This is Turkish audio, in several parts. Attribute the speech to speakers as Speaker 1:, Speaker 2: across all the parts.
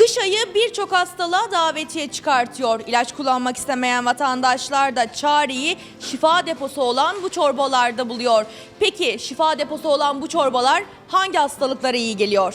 Speaker 1: Kış ayı birçok hastalığa davetiye çıkartıyor. İlaç kullanmak istemeyen vatandaşlar da çareyi şifa deposu olan bu çorbalarda buluyor. Peki şifa deposu olan bu çorbalar hangi hastalıklara iyi geliyor?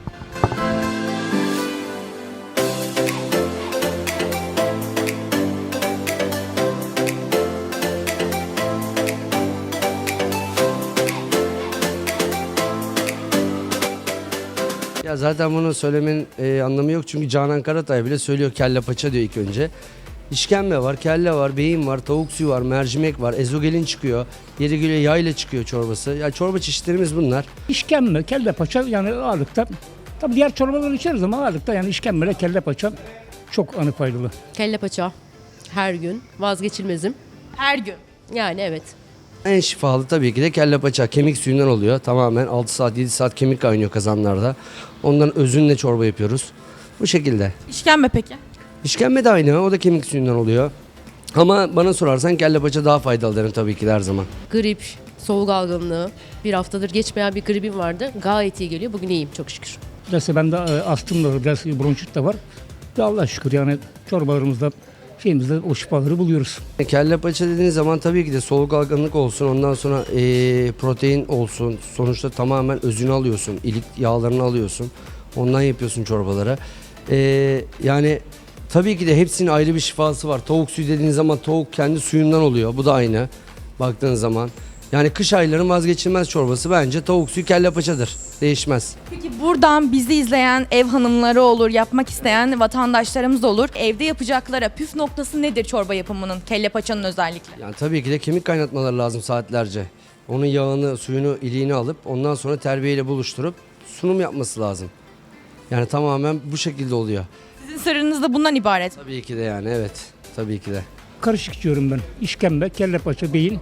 Speaker 2: Ya zaten bunu söylemenin anlamı yok çünkü Canan Karatay bile söylüyor, kelle paça diyor ilk önce. İşkembe var, kelle var, beyin var, tavuk suyu var, mercimek var, ezogelin çıkıyor, yeri geliyor yayla çıkıyor çorbası. Ya çorba çeşitlerimiz bunlar.
Speaker 3: İşkembe, kelle paça yani ağırlıkta. Tabii diğer çorbaları içeriz ama ağırlıkta yani işkembe ile kelle paça çok faydalı.
Speaker 4: Kelle paça her gün vazgeçilmezim.
Speaker 1: Her gün.
Speaker 4: Yani evet.
Speaker 2: En şifalı tabii ki de kelle paça, kemik suyundan oluyor. Tamamen 6 saat 7 saat kemik kaynıyor kazanlarda. Ondan özünle çorba yapıyoruz. Bu şekilde.
Speaker 1: İşkembe peki?
Speaker 2: İşkembe de aynı, o da kemik suyundan oluyor. Ama bana sorarsan kelle paça daha faydalı derim tabii ki de her zaman.
Speaker 4: Grip, soğuk algınlığı. Bir haftadır geçmeyen bir gripim vardı. Gayet iyi geliyor. Bugün iyiyim çok şükür.
Speaker 3: Biraz bende astım da var, biraz bronşit de var. Ve Allah'a şükür yani çorbalarımızda şeyimizde o şifaları buluyoruz.
Speaker 2: Kelle paça dediğiniz zaman tabii ki de soluk algınlık olsun, ondan sonra protein olsun. Sonuçta tamamen özünü alıyorsun, ilik yağlarını alıyorsun. Ondan yapıyorsun çorbalara. Yani tabii ki de hepsinin ayrı bir şifası var. Tavuk suyu dediğiniz zaman tavuk kendi suyundan oluyor. Bu da aynı baktığın zaman. Yani kış aylarının vazgeçilmez çorbası bence tavuk suyu kelle paçadır. Değişmez.
Speaker 1: Peki buradan bizi izleyen ev hanımları olur, yapmak isteyen vatandaşlarımız olur. Evde yapacaklara püf noktası nedir çorba yapımının, kelle paçanın özellikle?
Speaker 2: Yani tabii ki de kemik kaynatmaları lazım saatlerce. Onun yağını, suyunu, iliğini alıp ondan sonra terbiyeyle buluşturup sunum yapması lazım. Yani tamamen bu şekilde oluyor.
Speaker 1: Sizin sırrınız da bundan ibaret.
Speaker 2: Tabii ki de yani evet. Tabii ki de.
Speaker 3: Karışık içiyorum ben. İşkembe, kelle paça, beyin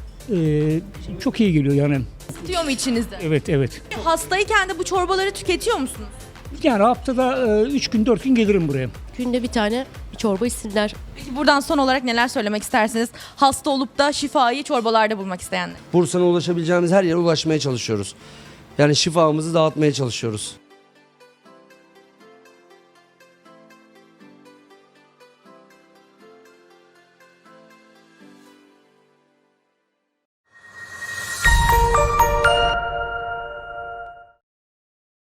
Speaker 3: çok iyi geliyor yani.
Speaker 1: Tutuyor mu içinizde?
Speaker 3: Evet.
Speaker 1: Hastayken de bu çorbaları tüketiyor musunuz?
Speaker 3: Yani haftada 3 gün 4 gün gelirim buraya.
Speaker 4: Günde bir tane bir çorba içsinler.
Speaker 1: Peki buradan son olarak neler söylemek istersiniz? Hasta olup da şifayı çorbalarda bulmak isteyenler.
Speaker 2: Bursa'na ulaşabileceğimiz her yere ulaşmaya çalışıyoruz. Yani şifamızı dağıtmaya çalışıyoruz.